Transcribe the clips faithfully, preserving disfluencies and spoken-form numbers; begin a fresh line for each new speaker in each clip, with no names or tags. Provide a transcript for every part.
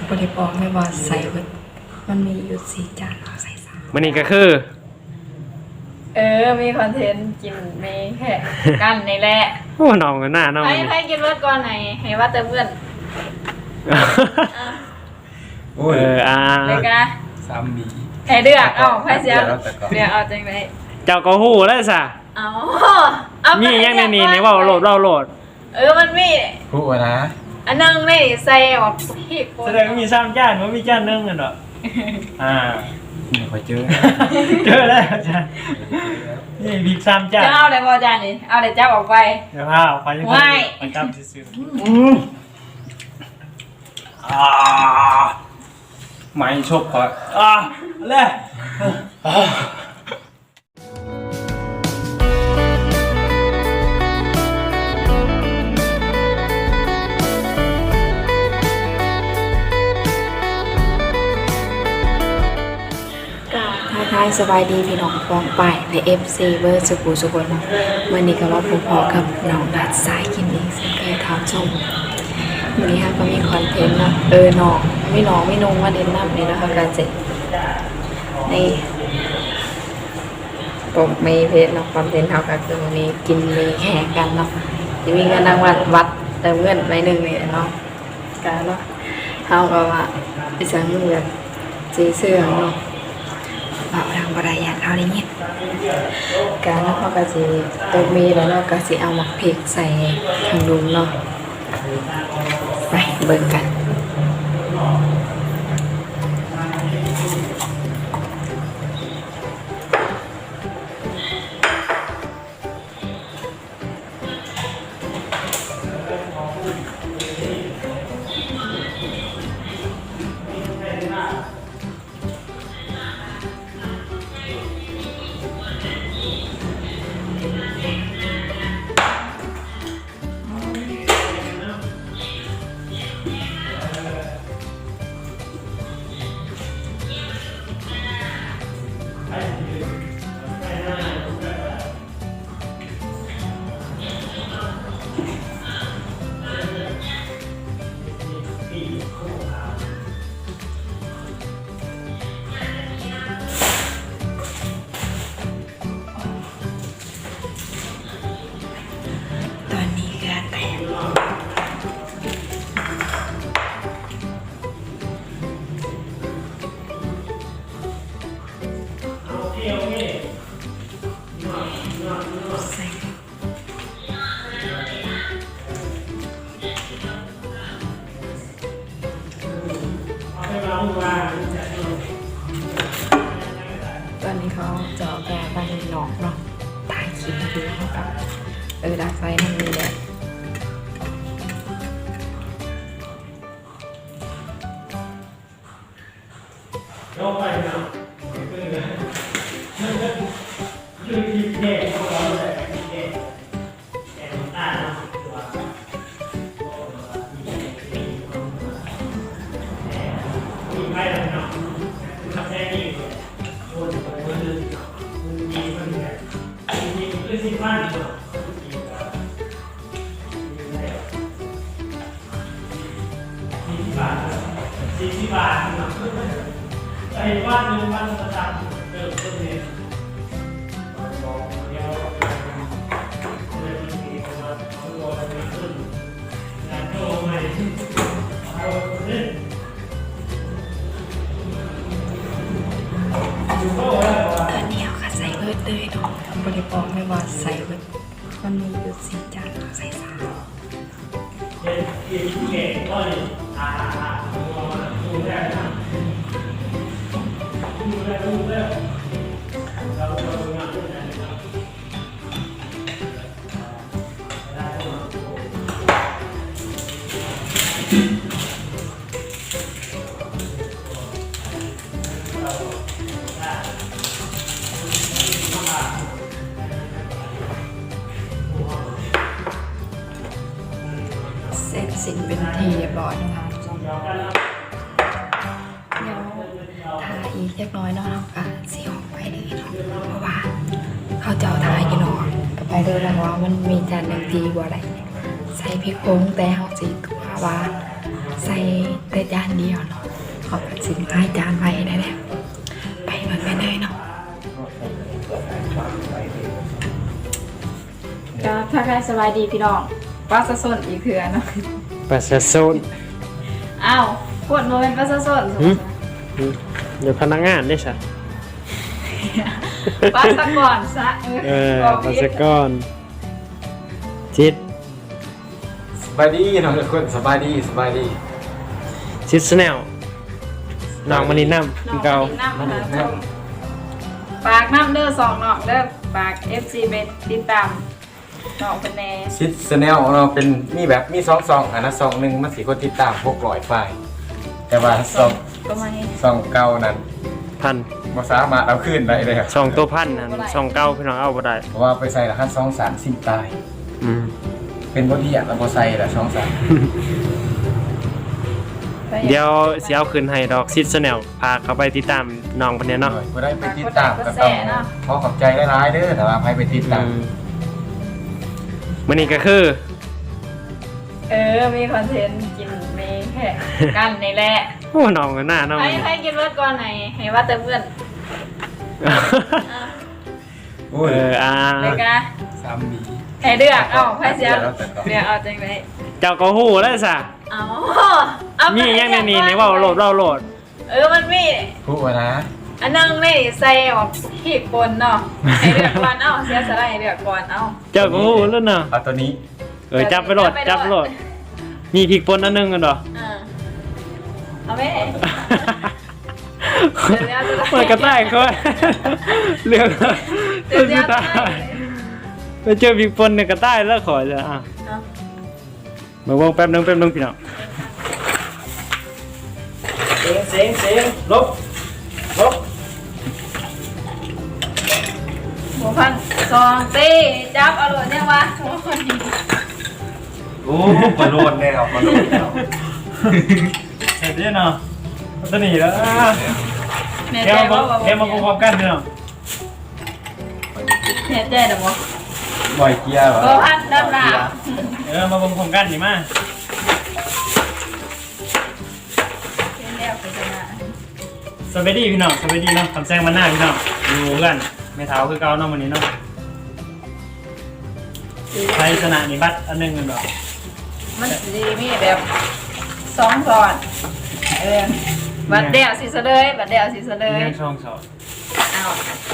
บริบอกไม่ว่าใส่เบิดมันมีอยู่สี่จานเราใส่สาม
มันนี่ก็คือ
เออมีคอนเทนต์กินมีแค่กันในแหละ
โอ้น้องกันหน้าน้อง
ให้
นี่
ให้กินเบิดก่อนไหนให้ว่าแต่เพื่อน
โอ้ย
เอออ่า
เลยกันนะ
สามมี
ให้เดือกเอาให้เสียเดือกเอาจังไหน
เจ้าก็ฮู้แล้วซะ
เอาเอา
มียังในนี่นี่เว้าโหลดเว้าโหลด
เออมันมี
พูดนะ
อันนึงนี่ใส่ออกพี่คน
แสดงว่ามีสามจานบ่มีจานนึงกันดอกอ่า
ไม่ค่อยเจอ
เจอแล้วอาจารย์นี่บิ๊กสามจาน
จะเอาอะไรบอจานนี่เอาอะไรจับออกไป
เดี๋ยวพาออกไปยัง
ไม่
ไปจับซื่อๆอืมอ่าไม่ชบก่อนอ่าเลยอ่า
ทักทายสบายดีพี่น้องฟองไปในเอฟซีเวอร์สกูสุกนวันนี้ก็ว่าผมพอกับน้องดัดสายกินเองซึ่งเคยทำชมวันนี้ฮะก็มีคอนเทนต์เนาะเออน้องไม่น้องไม่นงว่าเด่นน้ำนี่นะคะการเจ็ดนี่ผมมีเพจเนาะคอนเทนต์เท่ากับคือวันนี้กินมีแข่งกันเนาะจะมีเงินรางวัลวัดเติมเงินไปหนึ่งนี่เนาะการเนาะเท่ากับว่าไปสั่งเงินจีเสื้อเนาะบอกทางบริยานเขาได้ยินการแล้วเขาก็จะตกมีแล้วเราก็จะเอาหมักพริกใส่ทางดุมเนาะไปเบิ่งกันตอนนี้ก็แตกใส่ตอนนี้เขาเจาะแกไปหนอกเนาะตายคิดดูเขากับเออดักไฟนั่นนี่แหละ
สี่สิบบาทไอ้วันหนึ่งวันประจำเริ่มต้นเนี่ยเดี๋ยวเริ่มมีประมาณตัวอะไรขึ้นงานโตใหม่เอาเล่น
ตอนนี้เขาก็ใส่เบิร์ดเลยเนาะบริบอกไม่ว่าใส่เบิร์ดมันมีอยู่สี่จานเราใส่สาม
เด็กเด็กเก่งก็เลยอ่าดูแลนะดูแลดูแลเราเราทำงานด้วยกันนะครับ
เสร็จสิ้นเป็นทีเรียบร้อยนะคะเดี๋ยวทาอีกเล็กน้อยเนาะค่ะสีออกไปเลยเนาะเพราะว่าเขาจะเอาทากินออกก็ไปเดินแล้วว่ามันมีจานหนึ่งทีบ่อะไรใส่พริกผงแต่เขาสีตัวว่าใส่แต่จานเดียวเนาะขอบคุณสินค้าจานไว้ได้แล้วไปเบิ่งกันเลยเนาะ
ก็ทักทายสบายดีพี่น้องปลาสะสนอีกเถื่อเนาะ
ประชาชน
อ้าวปวดโมเป็นปลาสะสน
เดี๋ยวพนักงานได้ใช่
ปลาสะก่อนซะ
เออปัสกรชิด
สบายดีน้องทุกคนสบายดีสบายดี
ชิดสแนลน้องมานินน้ำกินเกา
น้ำนะคะปากน้ำเด้อสองนอกเด้อปาก เอฟ ซี เป็นติดตามนอกเป็นแน่
ชิดสแนลเราเป็นมีแบบมีสองซองอันนั้นซองหนึ่งมันสีคนติดตามพวกลอยไฟแต่ว่าซอง
ก็มาให้
ซองเก่านั้น
พัน
มาสามารถเอาขึ้นได้เลยครับ
สองตัวพันนั่นสองเก้าพี่น้องเอาบ่ได้
เพราะว่าไปใส่ละคันซองสามสิบตาย
อืม
เป็นบอดี้อ่ะเราพอใส่ละซองสาม
เดี๋ยวเสียเอาคืนให้ดอกชิดสแนลพาเขาไปติดตามน้องคนนี้เนาะ
ก็ได้ไปติดตามก็ต้องขอขอบใจหลายๆเด้อแต่ว่าใครไปติดตาม
มันนี่ก็คือ
เออมีคอนเทนต์กินมีแค่กันนี่แหละ
โอ้น้องกันหน้าน้อง
ให้ให้กินรสก่อนไหนให้ว่าแต่เพื่อน
โอ้ย
เอออ่า
เลยกะ
สามมี
ให้เดือกเอาไพ่เสียเดือกเอาจังเลย
เจ้าก็หู้แล้วซะ
เอาเอา
มี
มี
อย่างในนี้ในว่าโหลดเราโหลด
เออมันมี
พูดว่านะ
อันนึงนี่ใส่ออกขีดปนเนาะให้เดือกก่อนเอาเสียสละให้เดือกก่อนเอา
เจ้าก็หู้แล้วเนาะ
เอาตัวนี้
เออจับไปโหลดจับไปโหลดมีพริกป่นอันหนึงกันเหรอ
อ่าเอาไหม
มันกระต่ายเขาเรื่อง
เดี๋ยวเดี๋ยว
ตายไปเจอพริกป่นเนี่ยกระต่ายแล้วขอจะอ่ะ
เอา
มาวงแป๊บนึงแป๊บนึงพี่น้องเสียงเสียงเสียงลบลบ
หมูพันสองตีจับเอาโหลดเนี่ยวะโอ้ย
โอ้ปลาโลดแน่ครับปลาโลดแล้ว
เสร็จแล้วเนาะตัวนี้แล้ว
เนี่ย
เดี๋ยว
ใจ
มา
ว่า
เดี๋ยวมาพร้อมกันพี่น้อง
เนี่ยใจเดี๋ยวบอก
บ่อยเกียร์เหรอ
หมูพันดับหนา
เออมาพร้อมกันนี่มา
เป็นแล้วเป็นชนะ
สวัสดีพี่น้องสวัสดีเนาะคำแซงมาหน้าพี่น้องอยู่กันไม่เท้าคือเก่าเนาะวันนี้เนาะใช้ชนะนี่บัตรอันหนึงกันดอก
มันดีมีแบบสองสอนเออบัดเดียวสิเสลยบัดเดียวสิเสลย
เรื่องช่องสอง
เอา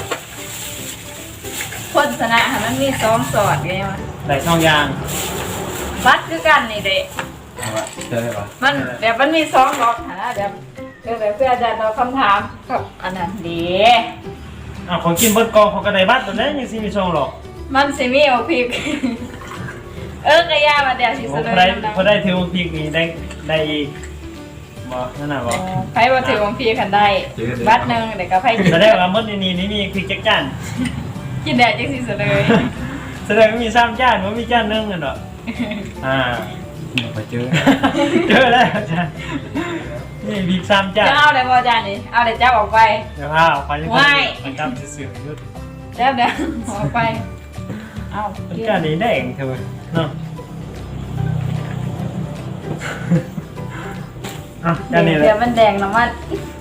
คนชนะค่ะมันมีสองสอดไงวะ
ได้ช่องยาง
บัดคือกันนี่เด็
เอาวะเจอได้ปะ
มันแบบมันมีสองรอบหาแบบเออแบบเพื่ออาจารย์เราคำถามกับอันนั้นดี
อ่ะของกินเบิดกองของกระไดบัตรตัวนี้ยังสิมีช่องหรอก
มันสิมีเอาพริก เออกระยาบัดเดียวสิ
โอ้
เสล
พอย ได้
น้ำ
พอได้ถือว่าพริกนี่ได้ได้อีกบ่นั่นน่ะบ่
ไพ่มาถือของพี่ขันได้บัดหนึ่งเดี๋ยวก็ไพ่กิน
แสดงว่าหมดในนี้นี่มีพริกจักจาน
กินแดดจังสิเสลย
แสดงว่ามีสามจานว่ามีจานหนึงกันดอกอ่า
ไปเจอ
เจอแล้วอาจารย์นี่พริกสามจาน
จะเอาอะไรบอาจารย์นี่เอาเดี๋ยวจับออกไป
เดี๋ยวพาออกไปยัง
ว้าย
มันจำซื่อๆยุด
จับเดี๋ยวออกไปเอา
มัน
กิน
จานนี้แดงเถอะเนาะอ่ะจานนี้เลย
เดี๋ยวมันแดงน้ำมัน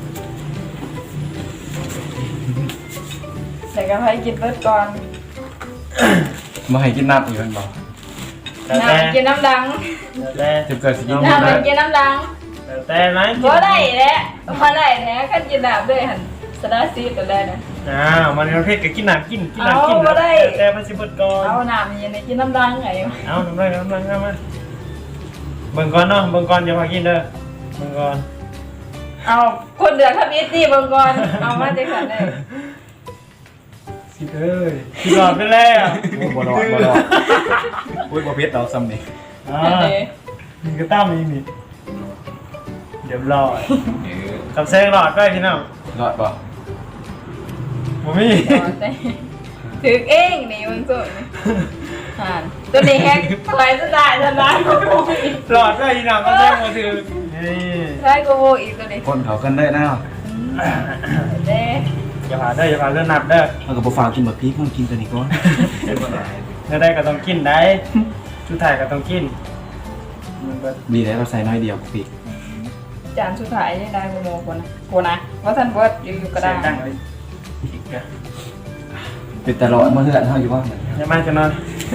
เดี๋ยวก็ไพ่กินเบิดก่อน
มาให้กินน้ำอีกคนบอก
แต่แต่
น้ำกินน้ำดัง
แต่
จะเกิดสิกิน
น้ำ
น้ำ
มันกินน้ำดัง
แต่แต่ไหม
บ่ได้แหละบ่ได้แท้คันกินน้ำด้วยหันสดาซีดกันแล้วนะ
อ้าวมันประเภทก็กินน้ำกินกินน้ำกิน
เอาบ่ได้
แต่มันสิเบิดก่อน
เอาน้ำเย็นให้กินน้ำดังไง
เอาน้ำลายน้ำลายน้ำมาเบิ่งก่อนเนาะเบิ่งก่อนอย่าพากินเด้อเบิ่งก่อน
เอาคนเดือดทำอีตี้เบิ่งก่อนเอามาจังซั่นได้
สิเอ้ยสิหลอดไปแล้ว
โอ้บ่รอดบ่รอดอุ้ยบ่เพชรเราซ้ำนี่
อ่านี่ก็ตั้มอีกนี่เดี๋ยวรอด
เออ
กับแซงหลอดไปพี่น้อง
รอดป่ะ
บ่มี
ถึกเองนี่มึงสุดอ่านตัวนี้แฮกถอยจะได้จะได้ก็โบอีก
หลอดไปพี่น้องก็แซงมาถือนี่
ได้ก็โบอีกตัวนี้
คนเขากันได้นะ
เด้
อย่าพาเด้ออย่าพาเรื่องนับเด้อ
มันก็บ่ฝากกินแบบพริกมันกินตัวนี้ก่อน
เนื้อได้ก็ต้องกินได้ชุดไทยก็ต้องกินมันก็
ดีแล้วเราใส่น้อยเดียวปีก
จานสุดท้ายนี่ได้โมโมคนนะโคนนะว่าท่านเบิร์ดอยู่อยู่ก็ได้
เสียงดังเลยอีกอะ
เป็นตลอดเมื่อเฮือนเท่าอยู่ว่าเหมือน
ยังไม่จะนอน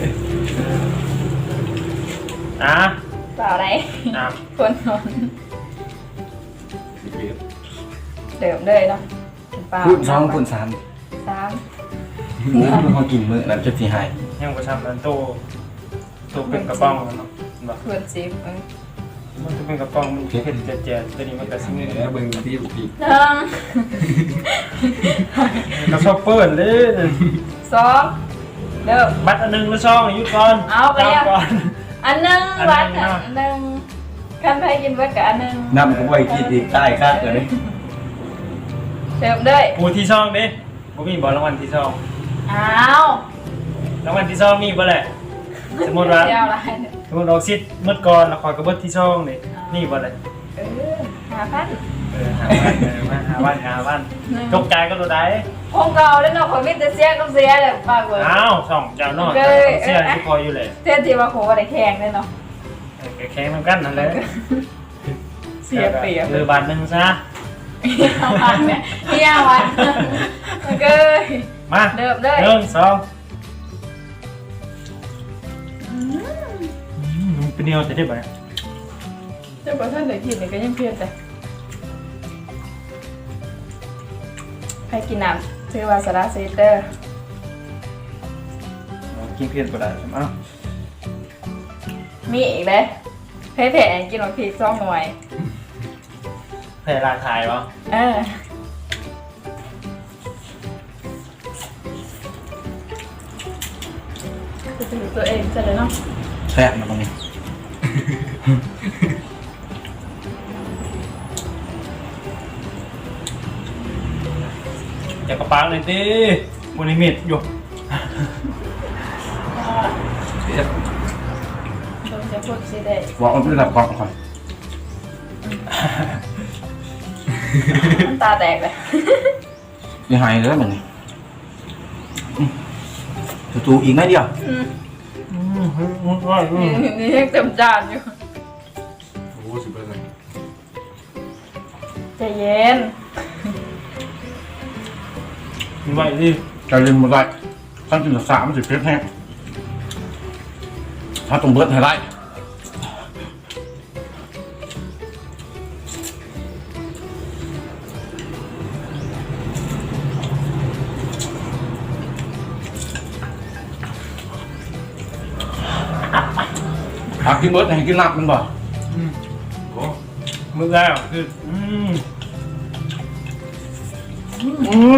อ่ะ
เปล่าไร
อ่ะ
คนนอนเดิมเลยเนาะเปล่า
พูดสองพูดสาม
สาม
โอ้ยพอกินมื้อนั้นจะสิหาย
ยังประชามันโตโตเป็นกระป๋องเนาะแบบ
เพื่อนซิฟเออ
มันจะเป็นกระป๋องมันเผ็ดเจ็ดๆตัวนี้มันก็ซิ่ง
แล้วเบิ่งที่ปีก
หนึ่ง
กระชอบเปิดเลย
สองเดิม
บัตรอันหนึ่งแล้วช่องอายุก่อน
เอาไปยัง
ก่อน
อันหนึ่ง
อันหนึ่ง
วัด
เนาะ
อันหนึ่งคันไทยกินเบิร์ดกับอันหนึ่ง
น้ำก็ไว้กินอีกใต้คักเลย
เดิมเลย
ปูที่ช่องดิบ่มีบอลรางวัลที่ช่อง
อ้าว
รางวัลที่ช่องมีบ่แหละสมมติว่า
เดียวไร
สมมติเราซิดเมื่อก่อนเราคอยกระเบิดที่ช่องนี่นี่บ่แหละ
เออหาพัน
เออหาวันเออมาหาวันหาวันจกใจก็ตัวใด
พงเก่าแล้วเนาะคนมิตรเสียก็เสียเลยปากเบิร์ด
อ้าวช่องเจ้านอนเสียที่คอยอยู่เลย
เท่ที่ว่าโคอะไรแข่งเลยเนาะ
แข่งมันกันนั่นแหละ
เสียเปรียบ
เออบาทหนึ่งซะ
เฮียวันเนี่ยเฮียวันมันก็
มา
เดิมเลย
หนึ่งสองมันเป็นเนียวจะได้ไหม
เจ้าประท่านเลยกินเนี่ยก็ยังเพี้ยนแต่ใครกินน้ำชื่อว่าสาราซีเตอร์
กินเพี้ยนก็ได้ใช่ไหม
มีอีกเลยเพ่แผ่กินหมดพีซ่องหน่วย
แพร่ราคายวะ
เออจะถือตัวเองจะเลยเนาะ
แซ่บมาตรงนี้
จะกระปังเลยดิบนลิมิตอยู่
โดนจะพูดสิได้
บอกมันเป็นระดับกล่องก่อน
น้ำตาแตกเลย
ยังหายเลยมันนี่จู่ๆอีกไม่เดียว
อืม
อืมอืมอืม
นี่นี่ยังเต็มจานอยู่
โอ้สิบเปอร์เซ็นต์
ใจเย็น
มีไว้ดิ
จะเล่นมาได้ขั้นกินสามมันสิเพชรแห้งถ้าต้องเบิร์ดให้ได้หากกินเบิร์ดให้กินหนักมันบ่
อืมโอ้มือแล้วคืออืม
อืม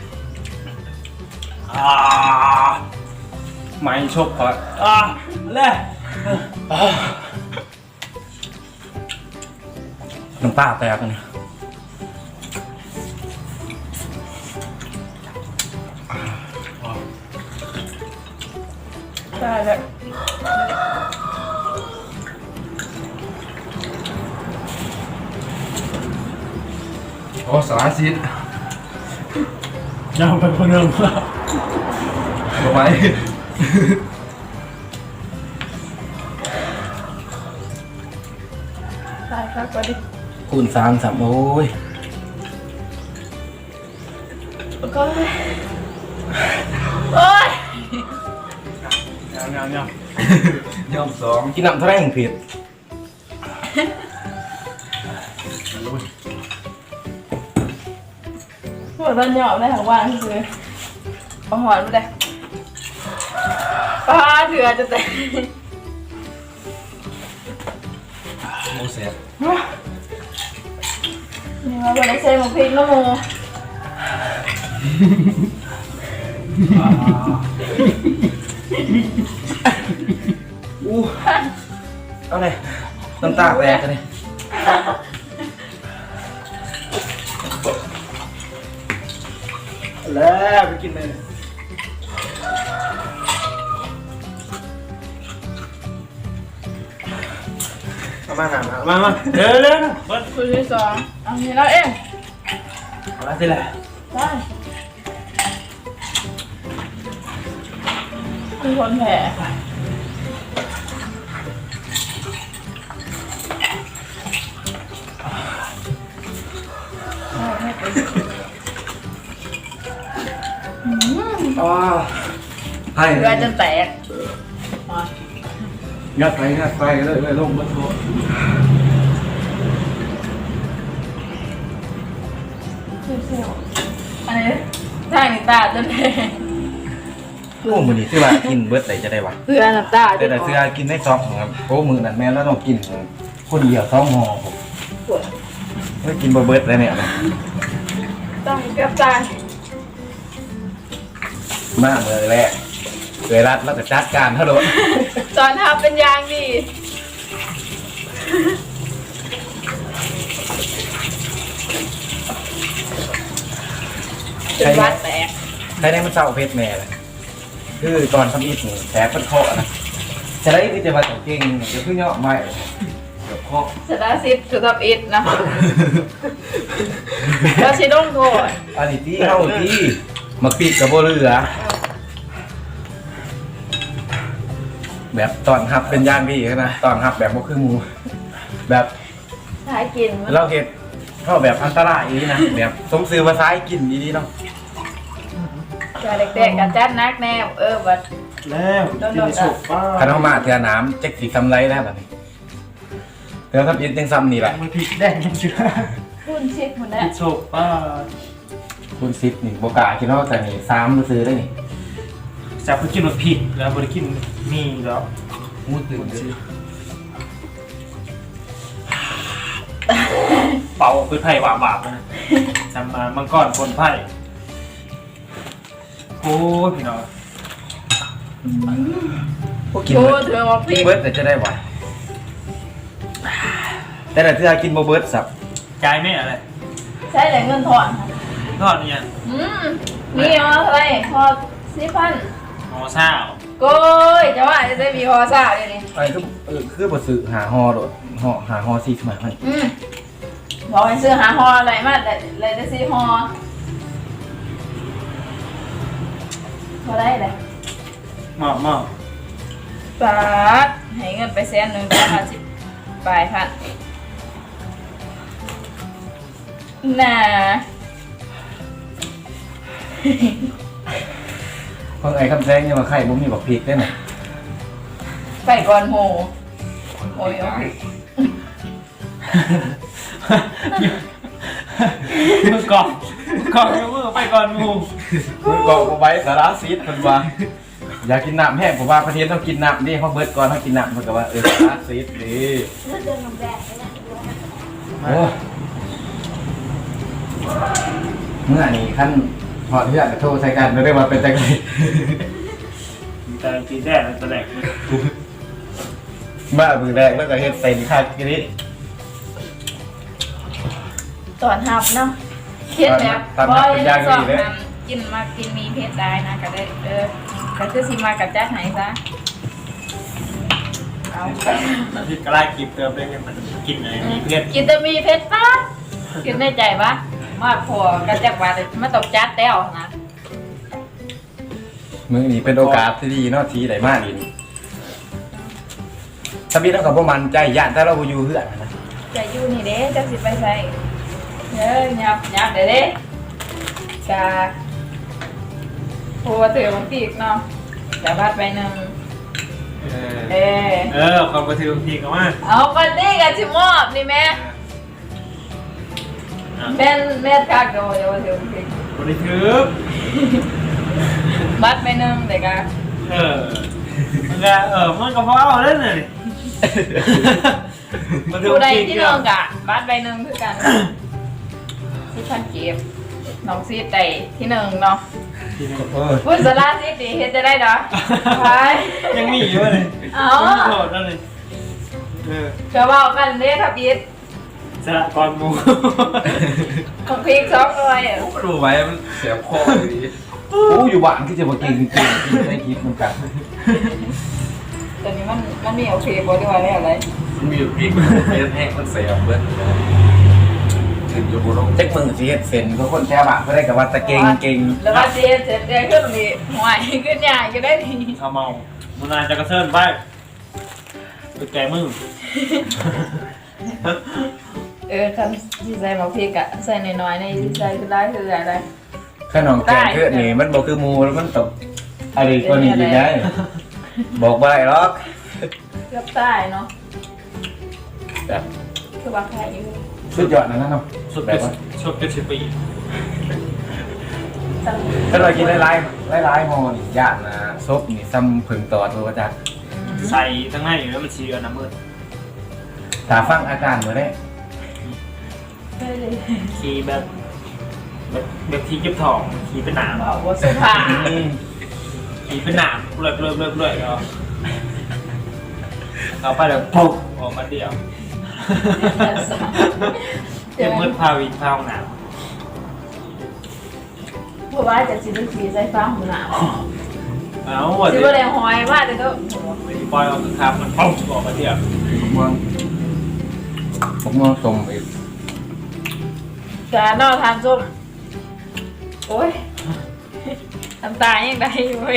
อ่าไม่ชกก่อนอ่าเล่
น้ำตาแตกเลย
ได้แล้ว
โอ้สารสิทธิ์
ยังไปคนเดิมแล้ว
ทำไม
ได้ครับก็ดิ
คูณสามสามโอ้ย
ก็โอ้ย
ยังยังยัง
ยอมสองกินน้ำเท่าไรอย่างผิด
หัวตอนหยอบได้ทั้งวันคือเอาหอนไปเลยป้าเถื่อจะแต่
โมเสส
นี่ว่าวันนี้ใส่หมกพริกน้ำมู
อู้เอาเลยน้ำตาแตกเลยแล้วไปกินเลย
มามามามาเร็วเร็วเบิร์ด
ตัวที่สองอันนี้เราเอง
เอาละสิแหละ
ได้มีคนแผล
อ๋อให้
เพื่อจนแตก
งัดไปงัดไปเลยเลยลงมาโทษ
อันนี้ทางนี้ตาจนแตก
โอ้มือนี้ซื้อมากินเบิร์ดไหนจะได้วะ
เพื่อน้ำตา
แต่แต่ซื้อกินได้ซองครับโอ้มือนั้นแม่แล้วต้องกินคนเดียวซองห่อผมไม่กินเบิร์ดเลยเนี่ย
ต้องเกือบตาย
มากเลยแหละเคยรัดแล้วก็จัดการเท่าไหร่
ตอนทำเป็นยางดีจนวัดแตก
ใครได้มันเศร้าเพชรแม่เลยคือตอนทำอีทนี่แผลเปิดคอนะจะได้คือจะมาต่อเก่งจะขึ้นยอดไม่เดี๋ยวคอ
สตาร์ซิปสุดทับอิดนะแล้วชิดงโทษ
อันนี้ที่เข้าที่มาปิดกับโบเรือแบบตอนหับเป็นย่างพี่นะตอนหับแบบโบคือหมูแบบ
สายกินมัน
เราเห็ดเข้าแบบอันตรายนี้นะแบบสมซื้อมาซ้ายกินดีๆเนาะ
จะเด็กๆกันจัดนักแนวเออบัด
แล้วกินสุกป้า
ขนมมาเทือน้ำเจ๊กสีซ้ำไรแล้วแบบนี้เทือทับยินยังซ้ำนี่แหละ
มันพริกแดงยังเชื่อ
คุณชิดคุณนะ
กินสุกป้า
คุณซิดนี่โบกาคิดว่าแต่นี่ซ้ำมาซื้อได้นี่
จะไปกินรสพริกแล้วบริกินมีแล้ว
มูตื่นซื้อ
เป่าคือไผ่หวาบาบนะจำมามังกรคนไผ่โอ้ยพี่น้อง
กิน
โอ้
เบิร์ด
เธอมาพ
กิ
ลิ
น
ก
เบิร์ดแต่จะได้ไหวแต่แต่เทือกินโบเบิร์ดสับ
ใจไม่อะไร
ใช้แต่เงินถอน
ทอดเนี่ย
อืมมีอ๋ออะไรพอสิพัน
หอซ่า
โก้ยจะว่าจะได้มีพอซ่าเลยนี่
ไอ้คือเออคือบทสื่อหาฮอโดดฮอหาฮอซีสมัยมัน
อืมบอกให้ซื้อหาฮออะไรมาแต่เลยได้ซื้อฮอพอได้เลย
หมอบหมอบ
ปาดให้เงินไปแสนหนึ่งก็ห้าสิบปลายพันน่า
เพิ่งไอ้คำแซงยังมาไข่บุ้มมีบอกพริกได้ไหม
ไปก่อนโหโอ้ยโอ้ย
มือก่อนมือก่อนมือไปก่อนมู
คุณกอกไว้สาระซีดคนว่าอยากกินน้ำแห้งผมว่าประเทศต้องกินน้ำดิเขาเบิร์ดก่อนเขากินน้ำมันก็ว่าเออสาระซีดดีโอ้เมื่อนี้ขั้นพอที่อยากจะโทรใช้กันไม่ได้ว่าเป็นแต่ไง
แต่ตีแรกแต่แรก
บ้ามือแรกแล้วก็เฮ็ดเซนค่ากิริ
ตอนหับเนาะเครียดแบบ
ตอนหับเป็นยาก
ส
ก็
อง
ดีเลย
ทำกินมากินมีเพศได้นะก็ได้เออก็คือสิมากับแจ๊คไหนซะเอา
ที่กระไรกิบเติมได้ยังมันกินอะไรมีเพื่อน
กินแต่มีเพชรป้ากินในใจปะมาพอกันจากว่ามาตกจัดแต้วนะ
มือนี้เป็นโอกาสที่ดีเนาะทีไหนมากดีถ้าพี่ต้องกับพวกมันใจย่านถ้าเราอยู่เพื่อนนะ
จะอยู่นี่เด้จะสิไปใส่เด้อยับยับเด้อเด้กาโหัวเถื่อนปีกเนาะจะบาดไปหนึ่งเออ
เออความกระเทือนพีกันว่า
เอาปันนี่กันชิมอบนี่แม่แม่นแม่คักโดยว่าเถื่อนปีก
บริทึก
บาดไปหนึ่งเด็กอะ
เออมันก็เออมันก็พอเอาเล่นเลย
ผู้ใดที่หนึ่งกะบาดไปหนึ่งคือกันที่พันเก็บน้องซีดไตที่หนึ่งเนาะ
เออ
พูดสาระซีดดีเฮ็ดจะได้เนาะไป
ยังมีอยู่เลย
เอา
ไม่โทษนั่นเลยเออ
เชื่อว่ากันเด้ทับยิด
สละก่อนมู
ของพีกสองเลย
ดูไว้มันเสียคอเลยโอ้อยู่บ้านที่จะมากินกินกินได้คิดเหมือนกัน
ตอนนี้มันมันมีโอเคบอดี้ว่าได้อะไร
มันมีพริกมันแห้งมันเสียเบิดถึงอยู่บนเจ๊กมือสีเฮ็ดเซนเขาคนแค่บ้านเขาได้กับว่าตะเก่งเก่ง
แล้วว่าเจ๊เสร็จเจ๊ขึ้นตรงนี้ห่วยขึ้นใหญ่ก็ได้ดี
เอาเมามุนานจะกระเซิร์นไปไปแกมือ
เออคำที่ใส่หมกพริกอะใส่น้อยๆในที่ใส่คือได้คืออะไร
ขนมแกงเพื่อนนี่มันบอกคือหมูแล้วมันตกอะไรก็นี่ยังไงบอกไปหรอก
เกือบตายเนาะ
แบบ
คือว่าใครอยู่
สุดยอดนะครับ
สุด
แบบว่า
สุดเจ็ดสิบปี
ตั้ง
ถ้าเรากินหลายๆหลายๆห่อนี่ยากนะซบนี่ซ้ำผึ่งตอดตัวจ้ะ
ใส่ทั้งในอยู่แล้วมันชีกันน้ำมืด
ตาฟังอาการเหมือนได้
ได้เลย
ขี่แบบแบบแบบขี่เก็บทองขี่เป็นหนาม
บอกว่าสุภาพ
ขี่เป็นหนามเลื่อยเลื่อยเลื่อยเลื่อยก็เอาไปแล้วปุ๊บออกมาเดียวเต็มมืดพาวินพาห้องน้
เพราะว่าจะสิได้ขี่ใส่ฟ้าหูหนาว
ำเอาว่า
สิ
สิ
ว่าแรงหอยว่าแต่ก็
ปล่อยออกคือครับมันปุ๊บออกมาเดียว
ผมมองผมมองสมอีก
การนอนทานส้มโอ้ยน้ำตายังได้อยู่เว้ย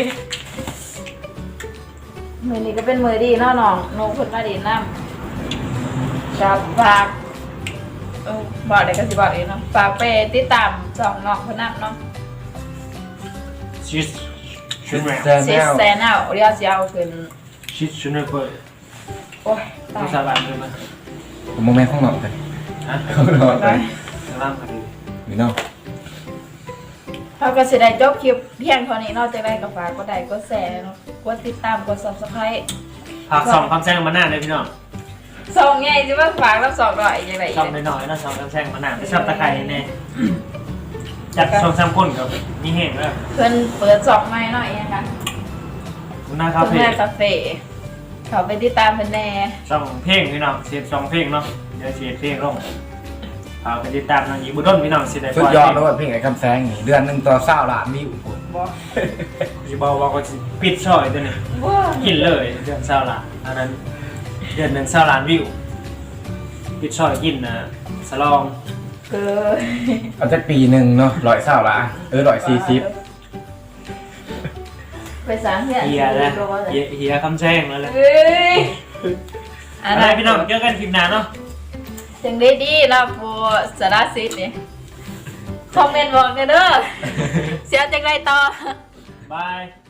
มือนี้ก็เป็นมือดีเนาะน้องนกเพิ่นมาดีน้ำกับฝากเออบอกได้ก็สิบอกเองเนาะฝากไปติดตามสองน้องเพิ่นนำเนาะ
ชิสชุนแมว
แต่
ซิ
แน
ส
ว
แซนเอาเรียกสิเอาขึ้น
ชิสชุนเปิด
โอ้ยตา
ภาย ษาบ้านเลยมั้ย
ผมมองแม่ข้างนอกเลย
ฮะ
ข้างนอกเลย
สลามคดี
นี่เนาะ
เราก็สิได้จบคลิปเพียงเท่านี้เนอกจากได้ก็ฝากกดไลค์กดแชร์เนาะกดติดตามกด Subscribe
ภาคสองคำแซงมาหน้าเลยพี่น้อง
ส่งไงสิว่าฝากรับสองหน่อยยังไงอีก
ชอบน้อยๆนะสองคำแซงมาหน้าชอบตะไคร้แน่จัดช่องซ้ำคนกับมีเหตุแล้ว
เพิ่นเปิดสองใหม่หน่อยยังกัน
หน้าคา
เพิ่น
เฟ่
แม่คาเฟ่เขาไปติดตามเพิ่นแน่
ช่องเพลงพี่น้องเสียบช่องเพลงเนาะเดี๋ยวเสียบเพลงลงเอาไปติดตามน้องหญิงบุญด้นพี่น้องสิได้
สุดยอดแล้วเพลงไอ้คำแสงนี่เดือนหนึ่งต่อเศร้าล้านวิวผม
บ่
จะบอกว่าก็สิปิดช่อยตัวนี้
บ่
กินเลยเดือนเศร้าล้านอันนั้นเดือนหนึ่งเศร้าล้านวิวปิดช่อยกินนะสลอง
เกิน
เอาจะปีหนึ่งเนาะร้อยเศร้าล้านเออร้อยสี่สิบ
ไปสร้างเฮีย
เฮียนะ
โดนเลย
เฮียเฮียคำแซงแล้วแหละ
เอ้ย
อะไรพี่น้องเจอกันคลิปหน้าเนาะ
จังได้ดีเนาะโปสารสิทธิ์นี่คอมเมนต์บอกเด้อเสียจังไรต่อ
บาย